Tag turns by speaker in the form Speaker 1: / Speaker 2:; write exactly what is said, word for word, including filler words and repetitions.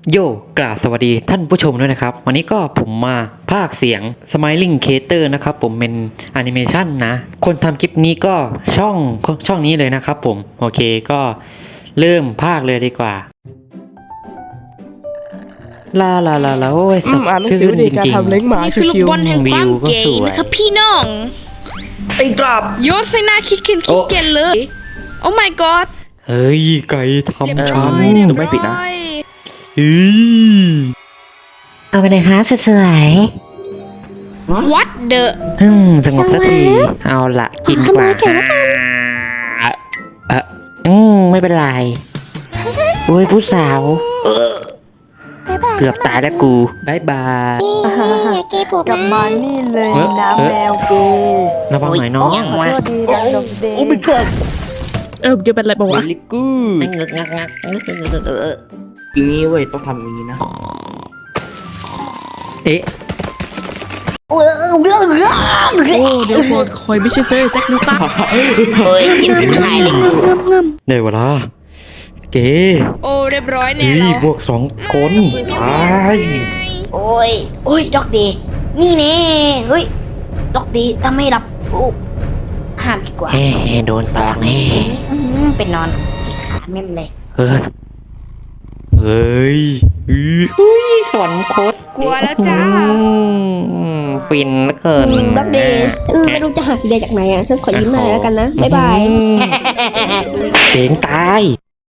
Speaker 1: โยกราบสวัสดีท่านผู้ชมด้วยนะครับวันนี้ก็ผมมาพากย์เสียง Smiling Cater นะครับผมเป็นแอนิเมชันนะคนทำคลิปนี้ก็ช่องช่องนี้เลยนะครับผมโอเคก็เริ่มพากย์เลยดีกว่าลาลาลาลาโอ้ยสดชื่นจริงๆ
Speaker 2: นี่คือลูกบอลแห่งความเก๋นะครับพี่น้อง
Speaker 3: ตีกลับ
Speaker 2: โยนใส่หน้าคิกเคนคิกเคนเลย โอ้ my god
Speaker 1: เฮ้ยไก่ทำฉัน
Speaker 2: เรียบร้อย
Speaker 3: หนูไม่ปิดนะ
Speaker 1: อี
Speaker 4: เอาไปเลยฮะสวย
Speaker 2: what the
Speaker 1: อืมสงบสักทีเอาละกินกว่าอ่ะอ่ะอืมไม่เป็นไรโอ้ยผู้สาวเออเกือบตายแล้วกูบายบาย
Speaker 4: อย่าเก็บผม
Speaker 3: กลับมานี่เลย
Speaker 1: เออ
Speaker 3: น้ำแมวเกย์
Speaker 1: ระวังหน่อยน้อง
Speaker 3: ขอโทษดีนะดอกเดย์
Speaker 1: โอ้ my god
Speaker 3: เออจะเป็นอะไรบ้างวะ
Speaker 1: very good งึกงักงักงึกงึกงึกเออ
Speaker 3: อย่างนี้เว้ยต้องทำอย่างนี้นะ
Speaker 1: เอ๊ะ
Speaker 3: โอ้เดี๋ยวก่อนคอยไม่ใช่เซ่แจ็คนิวตัน
Speaker 4: เฮ้ยกินหายเลย
Speaker 1: ได้เวลาเก๋
Speaker 2: โอ้เรียบร้อยแน่
Speaker 1: เฮ้ย
Speaker 2: เรา
Speaker 1: บวกสองคนตาย
Speaker 4: โอ้ยโอ้ยดอกดีนี่แน่เฮ้ยดอกดีถ้าไม่รับโอ้ห้ามดีกว่า
Speaker 1: เฮ้โดนตอกแน่
Speaker 4: อื้อหือไปนอนที่ขาแม่มเลย
Speaker 1: เฮ้ยเฮ้ยอุ้ยสวรรค์โคตร
Speaker 2: กลัวแล้วจ้า
Speaker 1: อืมฟินเหลือเกิน
Speaker 5: ดับเดย์ไม่รู้จะหาสีแดงจากไหนอ่ะ ฉันขอยิ้มหน่อยแล้วกันนะ บ๊ายบาย
Speaker 1: เจ๋งตาย